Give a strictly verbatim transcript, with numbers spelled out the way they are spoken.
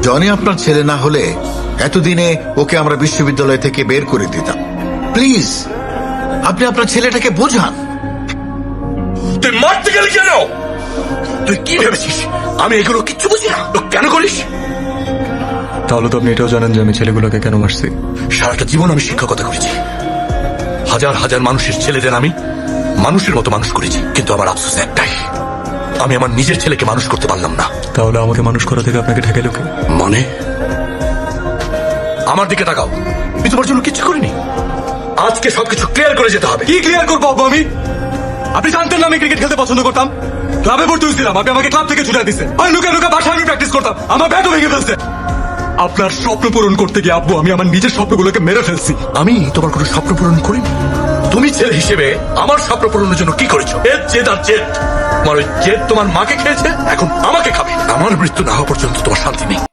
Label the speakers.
Speaker 1: Johnny আপনার ছেলে না হলে এতদিনে ওকে আমরা বিশ্ববিদ্যালয় থেকে বের করে দিতাম। প্লিজ আপনি আপনার ছেলেটাকে বোঝান।
Speaker 2: তুই মারতে গেলি কেন? তুই কি ভেবেছিস আমি এগুলো কিচ্ছু বুঝি না? তো কেন করিস?
Speaker 3: তাহলে তো আপনি এটাও জানেন যে আমি ছেলেগুলোকে কেন মারছি।
Speaker 2: সারাটা জীবন আমি শিক্ষকতা করেছি, হাজার হাজার মানুষের ছেলেদের আমি মানুষের মতো মানুষ করেছি, কিন্তু আমার আফসোস একটাই, আমি আমার নিজের ছেলেকে মানুষ করতে পারলাম না।
Speaker 3: তাহলে আমাকে মানুষ করা থেকে আপনাকে ঠেকাইলো কে?
Speaker 2: মানে আমার দিকে তাকাও, আমি তোমার জন্য কিচ্ছু করিনি। আজকে সবকিছু ক্লিয়ার করে যেতে হবে।
Speaker 3: কি ক্লিয়ার করবো আব্বু আমি? আপনি জানতেন না আমি ক্রিকেট খেলতে পছন্দ করতাম, ক্লাবে ভর্তি হয়েছিলাম, আপনি আমাকে ক্লাব থেকে ছুটে দিচ্ছেন। আমি লুকে লুকে বাসায় আমি প্র্যাকটিস করতাম, আমার ব্যাটও ভেঙে ফেলছে। আপনার স্বপ্ন পূরণ করতে গিয়ে আব্বু আমি আমার নিজের স্বপ্নগুলোকে মেরে ফেলছি।
Speaker 2: আমি তোমার কোনো স্বপ্ন পূরণ করিনি। তুমি ছেলে হিসেবে আমার স্বপ্ন পূরণের জন্য কি করেছো? এর জেদ আর জেদ, তোমার ওই জেদ তোমার মাকে খেয়েছে, এখন আমাকে খাবে। আমার মৃত্যু না হওয়া পর্যন্ত তোমার শান্তি নেই।